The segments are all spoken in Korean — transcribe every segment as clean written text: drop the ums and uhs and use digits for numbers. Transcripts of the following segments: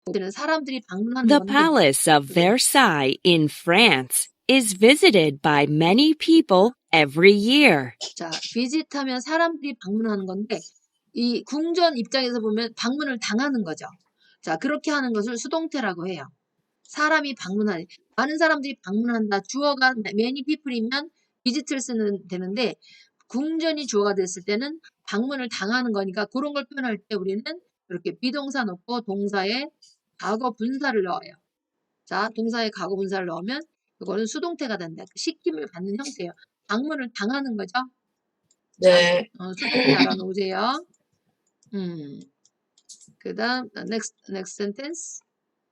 여기는 사람들이 방문하는 The 건데 Palace of Versailles in France is visited by many people every year. 자, 비짓하면 사람들이 방문하는 건데 이 궁전 입장에서 보면 방문을 당하는 거죠. 자, 그렇게 하는 것을 수동태라고 해요. 사람이 방문하는, 많은 사람들이 방문한다. 주어가 many people이면 visit를 쓰는 되는데 궁전이 주어가 됐을 때는 방문을 당하는 거니까 그런 걸 표현할 때 우리는 이렇게 비동사 넣고 동사에 과거 분사를 넣어요. 자, 동사에 과거 분사를 넣으면 이거는 수동태가 된다. 시킴을 받는 형태예요. 방문을 당하는 거죠. 네. 자, 수동태 알아놓으세요. 그 다음 next sentence.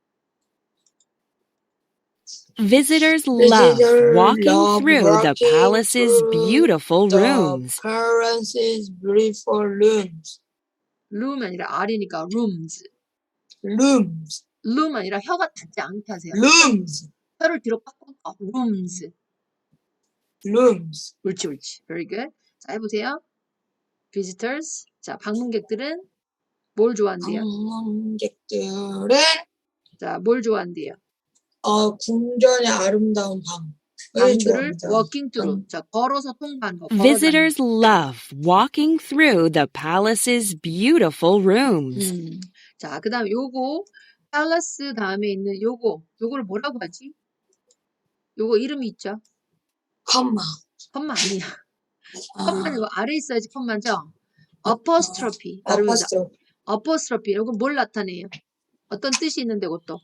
Visitors love walking through the palace's beautiful rooms. palace's beautiful rooms. room 아니라 R이니까 rooms. rooms. room 아니라 혀가 닿지 않게 하세요. rooms. 혀를 뒤로 꽉 rooms. rooms. 옳지. Very good. 자, 해보세요. visitors. 자, 방문객들은 뭘 좋아한대요? 방문객들은 자, 뭘 좋아한대요? 궁전의 아름다운 방을 방들을 좋아합니다. walking through. 자, 걸어서 통과하는 거. Visitors love walking through the palace's beautiful rooms. 자, 그 다음 요거 palace 다음에 있는 요거를 뭐라고 하지? 요거 이름이 있죠? 컴마. 컴마 아니야. 컴마는 이거 아래 있어야지 컴마죠? apostrophe. apostrophe. 요거 뭘 나타내요? 어떤 뜻이 있는데 그것도?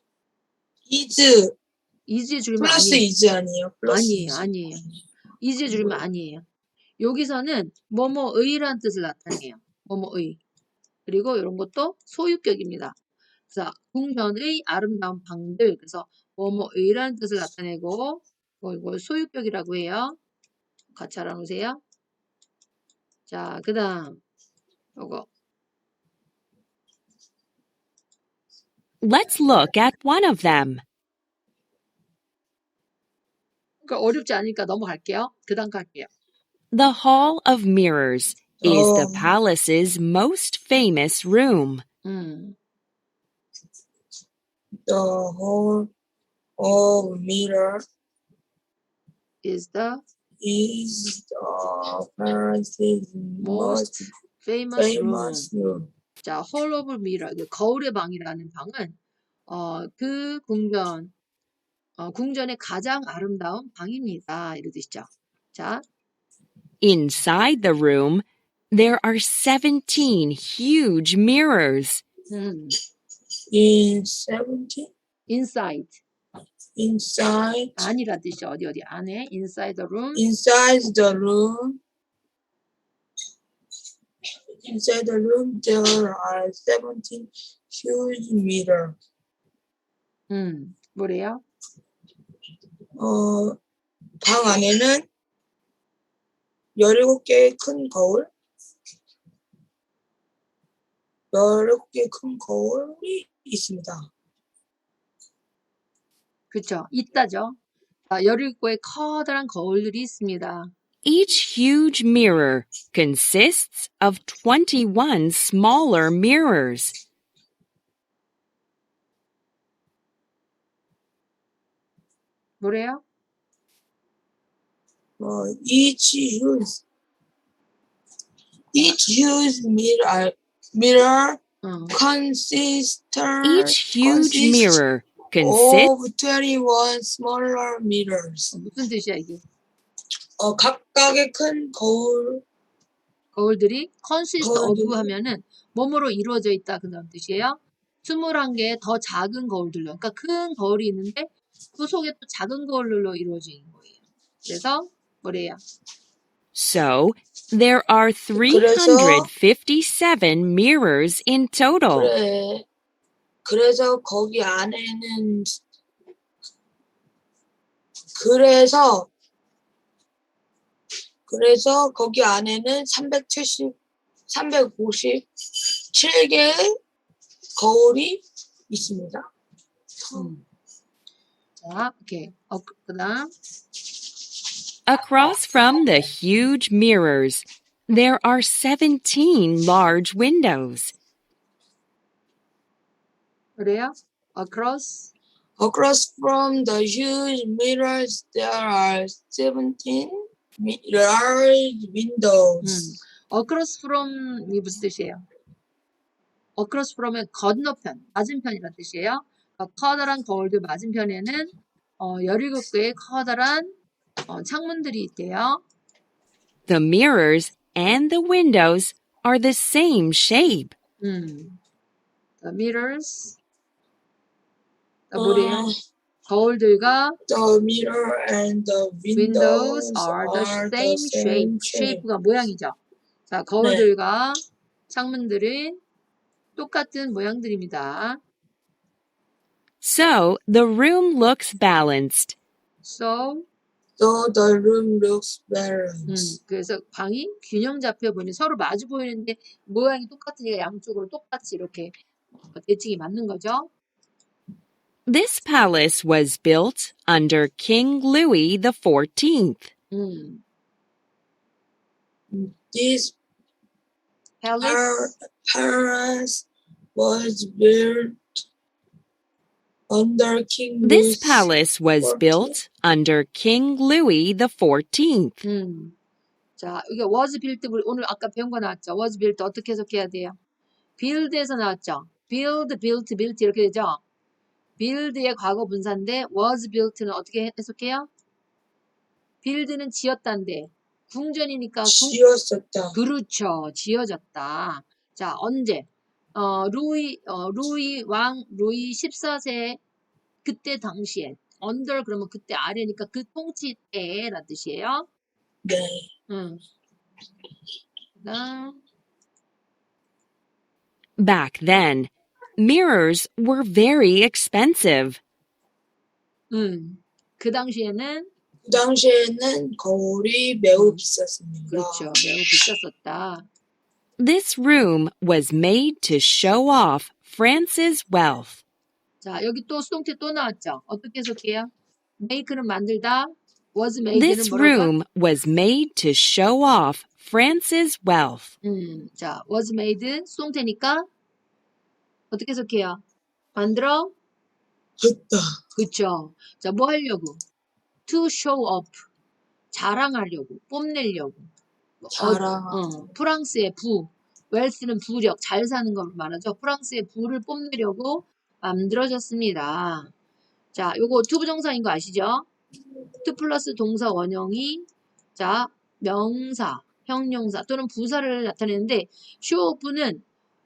is에 줄이면 플러스 아니에요. is 아니에요? 아니에요. is에 줄이면 아니에요. 여기서는 뭐뭐의라는 뜻을 나타내요. 뭐뭐의. 그리고 이런 것도 소유격입니다. 그래서 궁전의 아름다운 방들. 그래서 뭐뭐의라는 뜻을 나타내고 이걸 소유격이라고 해요. 같이 알아놓으세요. 자, 그 다음 요거. Let's look at one of them. 그러니까 어렵지 않으니까 넘어갈게요. 그 다음 갈게요. The Hall of Mirrors is the palace's most famous room. The Hall of Mirrors is the palace's most famous room. 자, Hall of Mirror, 거울의 방이라는 방은 그 궁전의 가장 아름다운 방입니다. 이런 뜻이죠. 자, Inside the room, there are 17 huge mirrors. Inside. 안이라 뜻이 어디 안에 inside the room. Inside the room there are 17 huge mirrors. 뭐래요? 방 안에는 17개의 큰 거울. 17개의 큰 거울이 있습니다. 그렇죠. 있다죠. 17개의 커다란 거울들이 있습니다. Each huge mirror consists of 21 smaller mirrors. 뭐래요? Each huge mirror consists Each huge mirror of consists 21 smaller mirrors. 무슨 뜻이야 이게? 각각의 큰 거울들이 consist of 하면은 뭐뭐로 이루어져 있다 그런 뜻이에요. 21개의 더 작은 거울들로. 그러니까 큰 거울이 있는데 그 속에 또 작은 거울로 이루어진 거예요. 그래서 뭐래요? So, there are 357 mirrors in total. 그래서 거기 안에는 그래서 거기 안에는 357개의 거울이 있습니다. 자, 오케이. 그다음. Across from the huge mirrors, there are 17 large windows. 그래요? Across. Across from the huge mirrors, there are 17 large windows. Across from 이 무슨 뜻이에요? Across from은 건너편, 맞은편이라는 뜻이에요. 커다란 거울들 맞은편에는 17개의 커다란 창문들이 있대요. The mirrors and the windows are the same shape. The mirrors. 뭐래요? Uh, 거울들과 the mirror and the windows windows are the are same the shape. same shape. shape가 모양이죠. 자, 거울들과 창문들은 똑같은 모양들입니다. So the room looks balanced. So, the room looks balanced. 그래서 방이 균형 잡혀 보이는 서로 마주 보이는데 모양이 똑같으니까 양쪽으로 똑같이 이렇게 대칭이 맞는 거죠. This palace was built under King Louis XIV. This Palace. palace was built under King This Louis palace was XIV. built under King Louis XIV. 자, 이게 was built, 우리 오늘 아까 배운 거 나왔죠? was built 어떻게 해석해야 돼요? build에서 나왔죠? build, built, built 이렇게 되죠? build의 과거 분사인데 was built는 어떻게 해석해요? build는 지었다인데 궁전이니까 지었었다. 그렇죠. 지어졌다. 자, 언제? 루이 왕 루이 14세 그때 당시에 under 그러면 그때 아래니까 그 통치 때라는 뜻이에요. 네. 그다음 Back then, mirrors were very expensive. 그 당시에는 그 당시에는 거울이 매우 비쌌습니다. 그렇죠. 매우 비쌌었다. This room was made to show off France's wealth. 자, 여기 또 수동태 또 나왔죠. 어떻게 해석해요? make는 만들다, was made는 This 뭐랄까? room was made to show off France's wealth. 자, was made 수동태니까 어떻게 해석해요? 만들어? 했다. 그쵸. 자, 뭐 하려고? to show off. 자랑하려고, 뽐내려고. 프랑스의 부. 웰스는 부력, 잘 사는 걸 말하죠. 프랑스의 부를 뽐내려고 만들어졌습니다. 자, 요거 투부정사인 거 아시죠? to 플러스 동사 원형이 자, 명사, 형용사 또는 부사를 나타내는데 show off는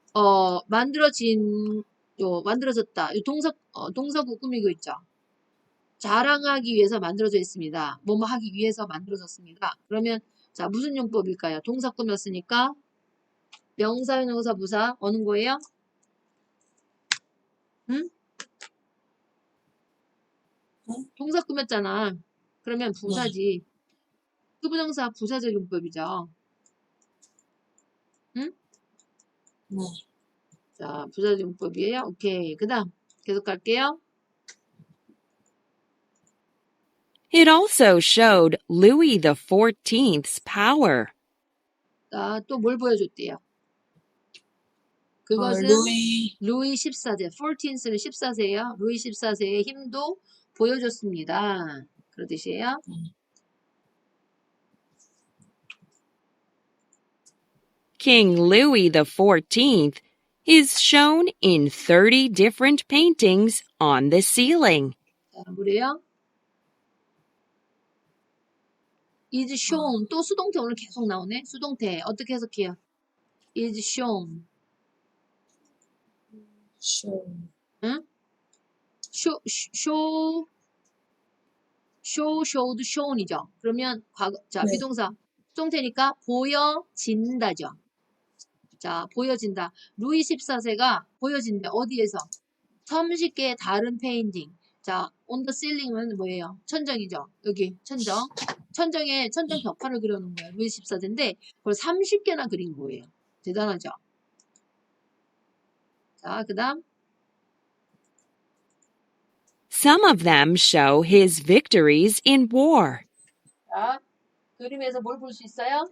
만들어졌다. 동사구 꾸미고 있죠. 자랑하기 위해서 만들어져 있습니다. 뭐뭐 하기 위해서 만들어졌습니다. 그러면 자, 무슨 용법일까요? 동사 꾸몄으니까 명사, 형용사, 부사 어느 거예요? 응? 동사 꾸몄잖아. 그러면 부사지. 투부정사 부사적 용법이죠. 응? 네. 자, 부사적 용법이에요. 오케이. 그 다음 계속 갈게요. It also showed Louis XIV's power. 자, 또 뭘 보여줬대요? 그것은 루이 14세, 14세는 14세예요. 루이 14세의 힘도 보여줬습니다. 그런 뜻이에요. King Louis XIV is shown in 30 different paintings on the ceiling. 자, 뭐래요? is shown. 또 수동태 오늘 계속 나오네. 수동태. 어떻게 해석해요? is shown. 응? showed, shown이죠. 그러면 과거, 자, 네. 비동사. 수동태니까 보여진다죠. 자, 보여진다. 루이 14세가 보여진다. 어디에서? 30개의 다른 페인팅. 자, on the ceiling은 뭐예요? 천정이죠. 여기 천정. 천정에 천정 벽화를 그려놓은 거예요. 루이 14세인데 그걸 30개나 그린 거예요. 대단하죠. 자, 그 다음. Some of them show his victories in war. 자, 그림에서 뭘 볼 수 있어요?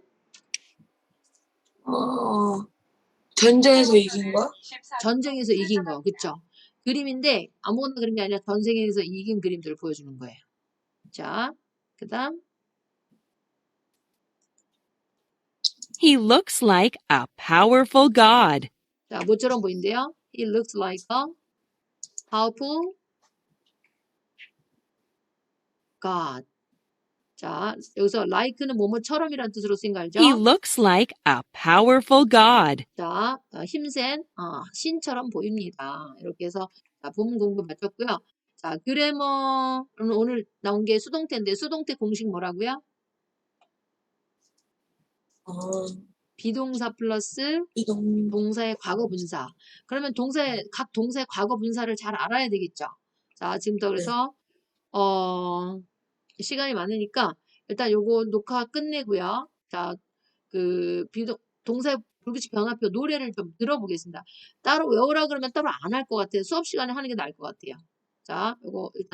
전쟁에서 이긴 거? 전쟁에서 이긴 거, 그쵸? 그림인데 아무거나 그린 게 아니라 전 세계에서 이긴 그림들을 보여주는 거예요. 자, 그 다음. He looks like a powerful god. 자, 뭐처럼 보인대요? He looks like a powerful god. 자, 여기서 like는 뭐뭐처럼이라는 뜻으로 쓰인 거 알죠? He looks like a powerful god. 자, 힘센 신처럼 보입니다. 이렇게 해서 자, 부분 공부 마쳤고요. 자, 그래머는 오늘 나온 게 수동태인데 수동태 공식 뭐라고요? 어, 비동사 플러스 이동, 동사의 과거 분사. 그러면 각 동사의 과거 분사를 잘 알아야 되겠죠. 자, 지금부터 그래서 시간이 많으니까 일단 요거 녹화 끝내고요. 자, 동사의 불규칙 변화표 노래를 좀 들어보겠습니다. 따로 외우라 그러면 따로 안 할 것 같아요. 수업 시간에 하는 게 나을 것 같아요. 자, 요거 일단